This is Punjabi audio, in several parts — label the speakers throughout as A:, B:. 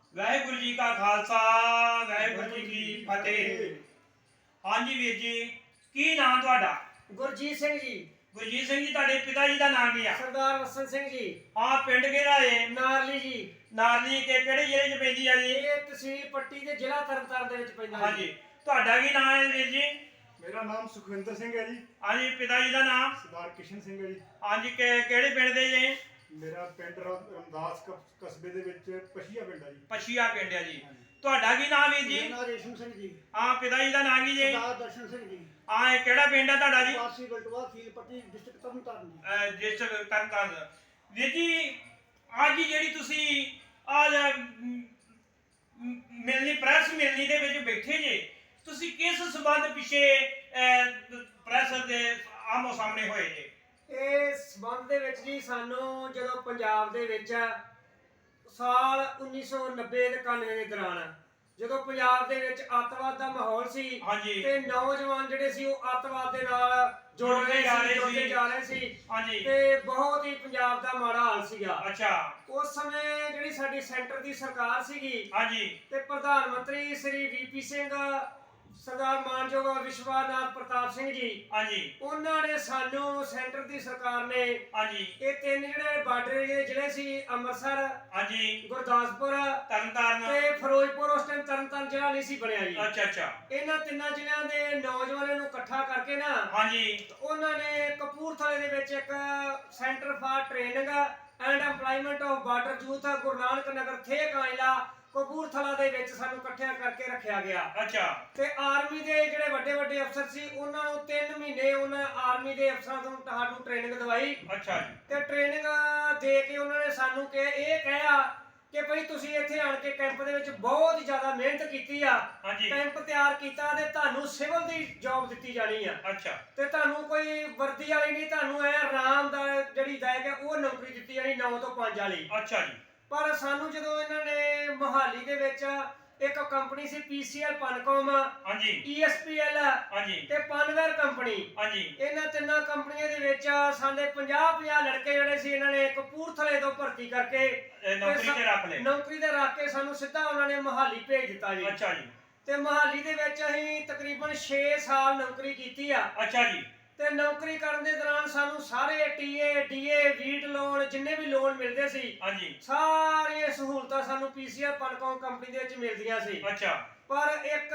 A: ਵਾਹਿਗੁਰੂ ਜੀ ਕਾ ਖਾਲਸਾ ਵਾਹਿਗੁਰੂ ਜੀ ਕੀ ਫਤਿਹ। ਹਾਂਜੀ ਵੀਰ ਜੀ, ਕੀ ਨਾਮ ਤੁਹਾਡਾ?
B: ਗੁਰਜੀਤ ਸਿੰਘ ਜੀ।
A: ਗੁਰਜੀਤ ਸਿੰਘ ਜੀ, ਤੁਹਾਡੇ ਪਿਤਾ ਜੀ ਦਾ ਨਾਮ ਕੀ ਆ?
B: ਸਰਦਾਰ ਵਸਨ ਸਿੰਘ ਜੀ।
A: ਹਾਂ, ਪਿੰਡ ਕਿਹੜਾ ਏ?
B: ਨਾਰਲੀ ਜੀ।
A: ਨਾਰਲੀ ਕਿਹੜੇ ਜ਼ਿਲ੍ਹੇ 'ਚ ਪੈਂਦੀ ਆ ਜੀ?
B: ਇਹ ਤਹਿਸੀਲ ਪੱਟੀ ਦੇ ਜ਼ਿਲ੍ਹਾ ਤਰਨਤਾਰਨ ਦੇ ਵਿੱਚ ਪੈਂਦਾ।
A: ਹਾਂਜੀ, ਤੁਹਾਡਾ ਕੀ ਨਾਮ ਹੈ ਵੀਰ ਜੀ?
C: ਮੇਰਾ ਨਾਮ ਸੁਖਵਿੰਦਰ ਸਿੰਘ ਹੈ ਜੀ।
A: ਹਾਂਜੀ, ਪਿਤਾ ਜੀ ਦਾ ਨਾਮ?
C: ਸਰਦਾਰ ਕਿਸ਼ਨ ਸਿੰਘ ਹੈ ਜੀ।
A: ਹਾਂਜੀ, ਕਿਹੜੇ ਪਿੰਡ ਦੇ ਜੀ?
C: ਮੇਰਾ ਪਿੰਡ ਰਮਦਾਸ ਕਸਬੇ ਦੇ ਵਿੱਚ ਪਸ਼ੀਆ ਪਿੰਡ ਹੈ ਜੀ।
A: ਪਛੀਆ ਪਿੰਡ ਆ ਜੀ। ਤੁਹਾਡਾ ਕੀ ਨਾਮ ਵੀਰ ਜੀ?
B: ਮੇਰਾ ਨਾਮ ਰੇਸ਼ਮ ਸਿੰਘ ਜੀ।
A: ਹਾਂ, ਪਿਤਾ ਜੀ ਦਾ ਨਾਮ ਕੀ ਜੀ?
B: ਸਰਦਾਰ ਦਰਸ਼ਨ ਸਿੰਘ ਜੀ।
A: ਹਾਂ, ਇਹ ਕਿਹੜਾ ਪਿੰਡ ਆ ਤੁਹਾਡਾ ਜੀ?
B: ਵਾਸੀ ਗਲਟਵਾ ਤਹਿਸੀਲ ਪੱਟੀ ਡਿਸਟ੍ਰਿਕਟ ਤਰਨਤਾਰਨ ਜੀ।
A: ਡਿਸਟ੍ਰਿਕਟ ਤਰਨਤਾਰਨ। ਵੀਰ ਜੀ, ਅੱਜ ਜਿਹੜੀ ਤੁਸੀਂ ਅੱਜ ਮਿਲਣੀ ਪ੍ਰੈਸ ਮਿਲਣੀ ਦੇ ਵਿੱਚ ਬੈਠੇ ਜੇ, ਤੁਸੀਂ ਕਿਸ ਸਬੰਧ ਪਿੱਛੇ ਪ੍ਰੈਸ ਦੇ ਆਮੋ ਸਾਹਮਣੇ ਹੋਏ ਜੇ?
B: ਇਹ ਸਬੰਧ ਦੇ ਵਿੱਚ ਜੀ ਸਾਨੂੰ ਜਦੋਂ ਪੰਜਾਬ ਦੇ ਵਿੱਚ ਸਾਲ 1990 ਤੇ 91 ਦੇ ਦੌਰਾਨ ਜਦੋਂ ਪੰਜਾਬ ਦੇ ਵਿੱਚ ਅੱਤਵਾਦ ਦਾ ਮਾਹੌਲ ਸੀ
A: ਹਾਂਜੀ।
B: ਤੇ ਨੌਜਵਾਨ ਜਿਹੜੇ ਸੀ ਉਹ ਅੱਤਵਾਦ ਦੇ ਨਾਲ ਜੁੜਦੇ ਜਾ ਰਹੇ ਸੀ
A: ਹਾਂਜੀ।
B: ਤੇ ਬਹੁਤ ਹੀ ਪੰਜਾਬ ਦਾ ਮਾੜਾ ਹਾਲ ਸੀਗਾ।
A: ਅੱਛਾ।
B: ਉਸ ਸਮੇਂ ਜਿਹੜੀ ਸਾਡੀ ਸੈਂਟਰ ਦੀ ਸਰਕਾਰ ਸੀਗੀ
A: ਹਾਂਜੀ।
B: ਤੇ ਪ੍ਰਧਾਨ ਮੰਤਰੀ ਸ੍ਰੀ ਵੀਪੀ ਸਿੰਘ, ਸਰਦਾਰ ਮਾਨਯੋਗ ਵਿਸ਼ਵਨਾਥ ਪ੍ਰਤਾਪ ਸਿੰਘ ਜੀ,
A: ਹਾਂਜੀ।
B: ਉਹਨਾਂ ਨੇ ਸਾਨੂੰ ਸੈਂਟਰ ਦੀ ਸਰਕਾਰ ਨੇ
A: ਹਾਂਜੀ।
B: ਇਹ ਤਿੰਨ ਜਿਹੜੇ ਬਾਰਡਰ ਏਰੀਏ ਜ਼ਿਲ੍ਹੇ ਸੀ ਅੰਮ੍ਰਿਤਸਰ,
A: ਹਾਂਜੀ।
B: ਗੁਰਦਾਸਪੁਰ
A: ਤਰਨਤਾਰਨ
B: ਤੇ ਫਿਰੋਜ਼ਪੁਰ, ਉਸ ਟਾਈਮ ਤਰਨਤਾਰਨ ਜ਼ਿਲ੍ਹਾ ਨਹੀਂ ਸੀ ਬਣਿਆ ਜੀ।
A: ਅੱਛਾ ਅੱਛਾ।
B: ਇਹਨਾਂ ਤਿੰਨਾਂ ਜ਼ਿਲ੍ਹਿਆਂ ਦੇ ਨੌਜਵਾਨਾਂ ਨੂੰ ਇਕੱਠਾ ਕਰਕੇ ਨਾ
A: ਹਾਂਜੀ।
B: ਉਹਨਾਂ ਨੇ ਕਪੂਰਥਲੇ ਦੇ ਵਿੱਚ ਇੱਕ centre for training and employment of border youth Guru Nanak Nagar ਥੇ ਕਾਇਲਾ ਕਪੂਰਥਲਾ ਦੇ ਵਿੱਚ ਸਾਨੂੰ ਇਕੱਠਿਆਂ ਕਰਕੇ ਰੱਖਿਆ ਗਿਆ।
A: ਅੱਛਾ।
B: ਤੇ ਆਰਮੀ ਦੇ ਜਿਹੜੇ ਵੱਡੇ ਵੱਡੇ ਅਫਸਰ ਸੀ ਉਹਨਾਂ ਨੂੰ 3 ਮਹੀਨੇ ਉਹਨਾਂ ਆਰਮੀ ਦੇ ਅਫਸਰਾਂ ਤੋਂ ਸਾਨੂੰ ਟ੍ਰੇਨਿੰਗ ਦਵਾਈ।
A: ਅੱਛਾ ਜੀ।
B: ਤੇ ਟ੍ਰੇਨਿੰਗ ਦੇ ਕੇ ਉਹਨਾਂ ਨੇ ਸਾਨੂੰ ਕਿਹਾ ਕਿ ਭਈ ਤੁਸੀਂ ਇੱਥੇ ਆਣ ਕੇ ਕੈਂਪ ਦੇ ਵਿੱਚ ਬਹੁਤ ਹੀ ਜ਼ਿਆਦਾ ਮਿਹਨਤ ਕੀਤੀ ਆ,
A: ਹਾਂਜੀ।
B: ਕੈਂਪ ਤਿਆਰ ਕੀਤਾ ਤੇ ਤੁਹਾਨੂੰ ਸਿਵਲ ਦੀ ਜੌਬ ਦਿੱਤੀ ਜਾਣੀ ਆ
A: ਅੱਛਾ।
B: ਤੇ ਤੁਹਾਨੂੰ ਕੋਈ ਵਰਦੀ ਵਾਲੀ ਨਹੀਂ, ਤੁਹਾਨੂੰ ਐ ਆਰਾਮ ਦਾ ਜਿਹੜੀ ਦਾਇਕ ਹੈ ਉਹ ਨੌਕਰੀ ਦਿੱਤੀ ਜਾਣੀ 9 ਤੋਂ 5 ਵਾਲੀ।
A: ਅੱਛਾ ਜੀ।
B: ਪਰ ਸਾਨੂੰ ਜਦੋਂ ਇਹਨਾਂ ਨੇ ਮੋਹਾਲੀ ਦੇ ਵਿੱਚ ਇੱਕ ਕੰਪਨੀ ਸੀ ਪੀਸੀਐਲ ਪਨਕੌਮ,
A: ਹਾਂਜੀ।
B: ਈਐਸਪੀਐਲ
A: ਹਾਂਜੀ।
B: ਤੇ ਪਨਵੇਅਰ ਕੰਪਨੀ,
A: ਹਾਂਜੀ।
B: ਇਹਨਾਂ ਤਿੰਨਾਂ ਕੰਪਨੀਆਂ ਦੇ ਵਿੱਚ ਸਾਡੇ 50 ਲੜਕੇ ਜਿਹੜੇ ਸੀ ਇਹਨਾਂ ਨੇ ਕਪੂਰਥਲੇ ਤੋਂ ਭਰਤੀ ਕਰਕੇ
A: ਨੌਕਰੀ ਤੇ ਰੱਖ ਲਏ।
B: ਨੌਕਰੀ ਤੇ ਰੱਖ ਕੇ ਸਾਨੂੰ ਸਿੱਧਾ ਉਹਨਾਂ ਨੇ ਮੋਹਾਲੀ ਭੇਜ ਦਿੱਤਾ ਜੀ।
A: ਅੱਛਾ ਜੀ।
B: ਤੇ ਮੋਹਾਲੀ ਦੇ ਵਿੱਚ ਅਸੀਂ ਤਕਰੀਬਨ 6 ਸਾਲ ਨੌਕਰੀ ਕੀਤੀ ਆ।
A: ਅੱਛਾ ਜੀ।
B: ਤੇ ਨੌਕਰੀ ਕਰਨ ਦੇ ਦੌਰਾਨ ਸਾਨੂੰ ਸਾਰੇ ਟੀਏ ਡੀਏ ਵੀਟ ਲੋਨ ਜਿੰਨੇ ਵੀ ਲੋਨ ਮਿਲਦੇ ਸੀ
A: ਹਾਂਜੀ।
B: ਸਾਰੀਆਂ ਸਹੂਲਤਾਂ ਸਾਨੂੰ ਪੀਸੀਆਰ ਪਨਕੌਮ ਕੰਪਨੀ ਦੇ ਵਿੱਚ ਮਿਲਦੀਆਂ ਸੀ।
A: ਅੱਛਾ।
B: ਪਰ ਇੱਕ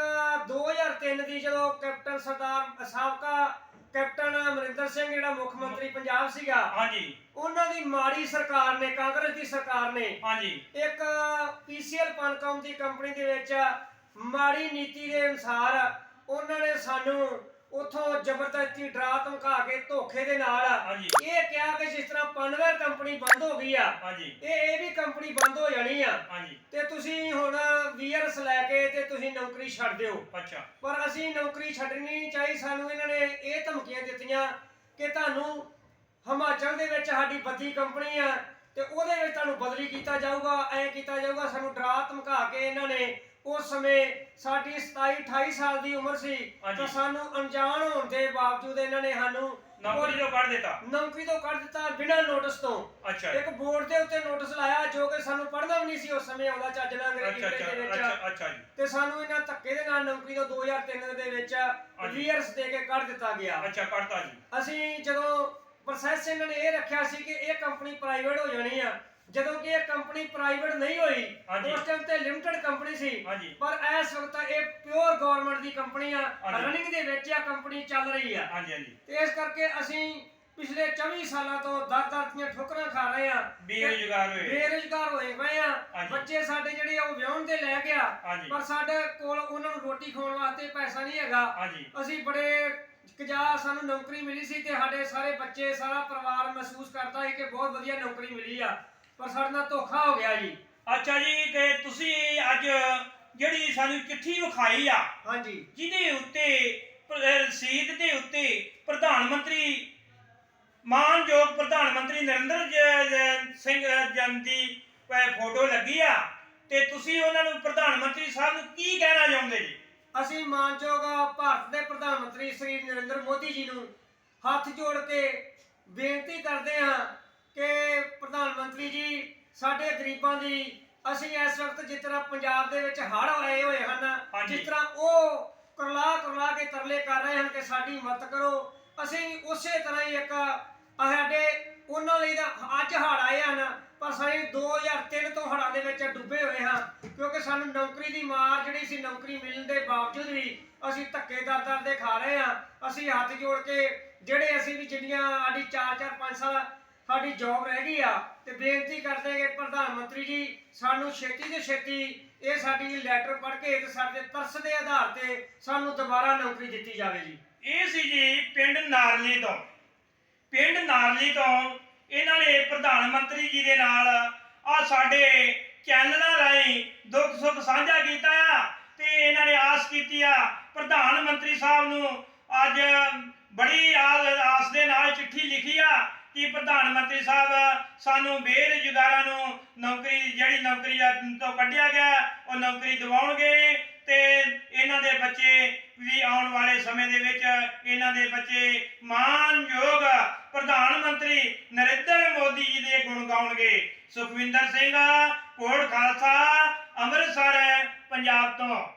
B: 2003 ਦੀ ਜਦੋਂ ਕੈਪਟਨ ਸਰਦਾਰ ਸਾਬਕਾ ਕੈਪਟਨ ਅਮਰਿੰਦਰ ਸਿੰਘ ਜਿਹੜਾ ਮੁੱਖ ਮੰਤਰੀ ਪੰਜਾਬ ਸੀਗਾ,
A: ਹਾਂਜੀ।
B: ਉਹਨਾਂ ਦੀ ਮਾੜੀ ਸਰਕਾਰ ਨੇ, ਕਾਂਗਰਸ ਦੀ ਸਰਕਾਰ ਨੇ
A: ਹਾਂਜੀ।
B: ਇੱਕ ਪੀਸੀਐਲ ਪਨਕੌਮ ਦੀ ਕੰਪਨੀ ਦੇ ਵਿੱਚ ਮਾੜੀ ਨੀਤੀ ਦੇ ਅਨੁਸਾਰ ਉਹਨਾਂ ਨੇ ਸਾਨੂੰ ਉਥੋਂ ਜ਼ਬਰਦਸਤੀ ਡਰਾ ਧਮਕਾ ਕੇ ਧੋਖੇ ਦੇ ਨਾਲ
A: ਹਾਂਜੀ।
B: ਇਹ ਕਿਹਾ ਕਿ ਜਿਸ ਤਰ੍ਹਾਂ ਪਨਵੇਅਰ ਕੰਪਨੀ ਬੰਦ ਹੋ ਗਈ ਆ,
A: ਹਾਂਜੀ।
B: ਇਹ ਵੀ ਕੰਪਨੀ ਬੰਦ ਹੋ ਜਾਣੀ ਆ
A: ਹਾਂਜੀ।
B: ਤੇ ਤੁਸੀਂ ਹੁਣ ਵੀਅਰਸ ਲੈ ਕੇ ਤੇ ਤੁਸੀਂ ਨੌਕਰੀ ਛੱਡ ਦਿਓ।
A: ਅੱਛਾ।
B: ਪਰ ਅਸੀਂ ਨੌਕਰੀ ਛੱਡਣੀ ਨਹੀਂ ਚਾਹੀ। ਸਾਨੂੰ ਇਹਨਾਂ ਨੇ ਇਹ ਧਮਕੀਆਂ ਦਿੱਤੀਆਂ ਕਿ ਤੁਹਾਨੂੰ ਹਿਮਾਚਲ ਦੇ ਵਿੱਚ ਸਾਡੀ ਬੱਦੀ ਕੰਪਨੀ ਆ ਤੇ ਉਹਦੇ ਵਿੱਚ ਤੁਹਾਨੂੰ ਬਦਲੀ ਕੀਤਾ ਜਾਊਗਾ, ਐ ਕੀਤਾ ਜਾਊਗਾ। ਸਾਨੂੰ ਡਰਾ ਧਮਕਾ ਕੇ ਇਹਨਾਂ ਨੇ ਉਸ ਸਮੇਂ ਸਾਡੀ 27-28 ਸਾਲ ਦੀ ਉਮਰ ਸੀ ਤਾਂ ਸਾਨੂੰ ਅਣਜਾਣ ਹੋਣ ਦੇ ਬਾਵਜੂਦ ਇਹਨਾਂ ਨੇ ਸਾਨੂੰ
A: ਨੌਕਰੀ ਤੋਂ ਕੱਢ ਦਿੱਤਾ।
B: ਨੌਕਰੀ ਤੋਂ ਕੱਢ ਦਿੱਤਾ ਬਿਨਾਂ ਨੋਟਿਸ ਤੋਂ।
A: ਅੱਛਾ।
B: ਇੱਕ ਬੋਰਡ ਦੇ ਉੱਤੇ ਨੋਟਿਸ ਲਾਇਆ ਜੋ ਕਿ ਸਾਨੂੰ ਪੜ੍ਹਨਾ ਵੀ ਨਹੀਂ ਸੀ ਉਸ ਸਮੇਂ ਆਉਂਦਾ ਚੱਜ ਨਾਲ ਅੰਗਰੇਜ਼ੀ ਦੇ ਵਿੱਚ।
A: ਅੱਛਾ ਜੀ।
B: ਤੇ ਸਾਨੂੰ ਇਹਨਾਂ ਧੱਕੇ ਦੇ ਨਾਲ ਨੌਕਰੀ ਤੋਂ 2003 ਦੇ ਵਿੱਚ ਵੀਅਰਸ ਦੇ ਕੇ ਕੱਢ ਦਿੱਤਾ ਗਿਆ।
A: ਅੱਛਾ, ਕੱਢਤਾ ਜੀ।
B: ਅਸੀਂ ਜਦੋਂ ਪ੍ਰੋਸੈਸ ਇਹਨਾਂ ਨੇ ਇਹ ਰੱਖਿਆ ਸੀ ਕਿ ਇਹ ਕੰਪਨੀ ਪ੍ਰਾਈਵੇਟ ਹੋ ਜਾਣੀ ਆ, ਜਦੋਂ ਕਿ ਇਹ ਕੰਪਨੀ ਪ੍ਰਾਈਵੇਟ ਨਹੀਂ ਹੋਈ। ਉਸ ਟਾਈਮ ਤੇ ਲਿਮਟਿਡ ਕੰਪਨੀ ਸੀ, ਪਰ ਇਸ ਵਕਤ ਇਹ ਪਿਓਰ ਗਵਰਨਮੈਂਟ ਦੀ ਕੰਪਨੀ ਆ, ਰਨਿੰਗ ਦੇ ਵਿੱਚ ਆ, ਕੰਪਨੀ ਚੱਲ ਰਹੀ ਆ। ਤੇ ਇਸ ਕਰਕੇ ਅਸੀਂ ਪਿਛਲੇ 24 ਸਾਲਾਂ ਤੋਂ ਦਰ ਦੀਆਂ ਠੋਕਰਾਂ ਖਾ ਰਹੇ ਆ, ਬੇਰੁਜ਼ਗਾਰ ਹੋਏ ਪਏ ਆ। ਬੱਚੇ ਸਾਡੇ ਜਿਹੜੇ ਉਹ ਵਿਆਹੁਣ ਦੇ ਲੈ ਗਿਆ, ਪਰ ਸਾਡੇ ਕੋਲ ਉਹਨਾਂ ਨੂੰ ਰੋਟੀ ਖਾਣ ਵਾਸਤੇ ਪੈਸਾ ਨਹੀਂ ਹੈਗਾ। ਅਸੀਂ ਬੜੇ ਸਾਨੂੰ ਨੌਕਰੀ ਮਿਲੀ ਸੀ ਤੇ ਸਾਡੇ ਸਾਰੇ ਬੱਚੇ, ਸਾਰਾ ਪਰਿਵਾਰ ਮਹਿਸੂਸ ਕਰਦਾ ਹੈ ਕਿ ਬਹੁਤ ਵਧੀਆ ਨੌਕਰੀ ਮਿਲੀ ਆ, ਪਰ ਸਾਡੇ ਨਾਲ ਧੋਖਾ ਹੋ ਗਿਆ ਜੀ।
A: ਅੱਛਾ ਜੀ। ਤੇ ਤੁਸੀਂ ਅੱਜ ਜਿਹੜੀ ਸਾਨੂੰ ਚਿੱਠੀ ਵਿਖਾਈ ਆ,
B: ਹਾਂਜੀ,
A: ਜਿਹਦੇ ਉੱਤੇ ਰਸੀਦ ਦੇ ਉੱਤੇ ਪ੍ਰਧਾਨ ਮੰਤਰੀ, ਮਾਨਯੋਗ ਪ੍ਰਧਾਨ ਮੰਤਰੀ ਨਰਿੰਦਰ ਸਿੰਘ ਦੀ ਫੋਟੋ ਲੱਗੀ ਆ, ਤੇ ਤੁਸੀਂ ਉਹਨਾਂ ਨੂੰ ਪ੍ਰਧਾਨ ਮੰਤਰੀ ਸਾਹਿਬ ਨੂੰ ਕੀ ਕਹਿਣਾ ਚਾਹੁੰਦੇ ਜੀ?
B: ਅਸੀਂ ਮਾਨਯੋਗ ਭਾਰਤ ਦੇ ਪ੍ਰਧਾਨ ਮੰਤਰੀ ਸ੍ਰੀ ਨਰਿੰਦਰ ਮੋਦੀ ਜੀ ਨੂੰ ਹੱਥ ਜੋੜ ਕੇ ਬੇਨਤੀ ਕਰਦੇ ਹਾਂ ਕਿ ਪ੍ਰਧਾਨ ਮੰਤਰੀ ਜੀ ਸਾਡੇ ਗਰੀਬਾਂ ਦੀ ਅਸੀਂ ਇਸ ਵਕਤ ਜਿਸ ਤਰ੍ਹਾਂ ਪੰਜਾਬ ਦੇ ਵਿੱਚ ਹੜ੍ਹ ਆਏ ਹੋਏ ਹਨ,
A: ਹਾਂਜੀ।
B: ਜਿਸ ਤਰ੍ਹਾਂ ਉਹ ਕੁਰਲਾ ਕੇ ਤਰਲੇ ਕਰ ਰਹੇ ਹਨ ਕਿ ਸਾਡੀ ਮਦਦ ਕਰੋ, ਅਸੀਂ ਉਸੇ ਤਰ੍ਹਾਂ ਹੀ ਇੱਕ ਸਾਡੇ ਉਹਨਾਂ ਲਈ ਤਾਂ ਅੱਜ ਹੜ੍ਹ ਆਏ ਹਨ, ਪਰ ਅਸੀਂ 2003 ਤੋਂ ਹੜ੍ਹਾਂ ਦੇ ਵਿੱਚ ਡੁੱਬੇ ਹੋਏ ਹਾਂ, ਕਿਉਂਕਿ ਸਾਨੂੰ ਨੌਕਰੀ ਦੀ ਮਾਰ ਜਿਹੜੀ ਸੀ, ਨੌਕਰੀ ਮਿਲਣ ਦੇ ਬਾਵਜੂਦ ਵੀ ਅਸੀਂ ਧੱਕੇ ਦਰ ਦੇ ਖਾ ਰਹੇ ਹਾਂ। ਅਸੀਂ ਹੱਥ ਜੋੜ ਕੇ ਜਿਹੜੇ ਅਸੀਂ ਵੀ ਜਿੰਨੀਆਂ ਸਾਡੀ 4-4 5 ਸਾਲ ਸਾਡੀ ਜੌਬ ਰਹਿ ਗਈ ਆ, ਤੇ ਬੇਨਤੀ ਕਰਦੇ ਕਿ ਪ੍ਰਧਾਨ ਮੰਤਰੀ ਜੀ ਸਾਨੂੰ ਛੇਤੀ ਤੋਂ ਛੇਤੀ ਇਹ ਸਾਡੀ ਲੈਟਰ ਪੜ੍ਹ ਕੇ ਤੇ ਸਾਡੇ ਤਰਸ ਦੇ ਆਧਾਰ ਤੇ ਸਾਨੂੰ ਦੁਬਾਰਾ ਨੌਕਰੀ ਦਿੱਤੀ ਜਾਵੇ ਜੀ।
A: ਇਹ ਸੀ ਜੀ ਪਿੰਡ ਨਾਰਲੀ ਤੋਂ। ਪਿੰਡ ਨਾਰਲੀ ਤੋਂ ਇਹਨਾਂ ਨੇ ਪ੍ਰਧਾਨ ਮੰਤਰੀ ਜੀ ਦੇ ਨਾਲ ਆ ਸਾਡੇ ਚੈਨਲਾਂ ਰਾਹੀਂ ਦੁੱਖ ਸੁੱਖ ਸਾਂਝਾ ਕੀਤਾ ਆ, ਤੇ ਇਹਨਾਂ ਨੇ ਆਸ ਕੀਤੀ ਆ ਪ੍ਰਧਾਨ ਮੰਤਰੀ ਸਾਹਿਬ ਨੂੰ ਅੱਜ ਬੜੀ ਆਸ ਦੇ ਨਾਲ ਚਿੱਠੀ ਲਿਖੀ ਆ ਕਿ ਪ੍ਰਧਾਨ ਮੰਤਰੀ ਸਾਹਿਬ ਸਾਨੂੰ ਬੇਰੁਜ਼ਗਾਰਾਂ ਨੂੰ ਜਿਹੜੀ ਨੌਕਰੀ ਤੋਂ ਕੱਢਿਆ ਗਿਆ ਉਹ ਨੌਕਰੀ ਦਿਵਾਉਣਗੇ, ਤੇ ਇਹਨਾਂ ਦੇ ਬੱਚੇ ਵੀ ਆਉਣ ਵਾਲੇ ਸਮੇਂ ਦੇ ਵਿੱਚ ਇਹਨਾਂ ਦੇ ਬੱਚੇ ਮਾਣਯੋਗ ਪ੍ਰਧਾਨ ਮੰਤਰੀ ਨਰਿੰਦਰ ਮੋਦੀ ਜੀ ਦੇ ਗੁਣ ਗਾਉਣਗੇ। ਸੁਖਵਿੰਦਰ ਸਿੰਘ, ਕੋਟ ਖਾਲਸਾ, ਅੰਮ੍ਰਿਤਸਰ, ਪੰਜਾਬ ਤੋਂ।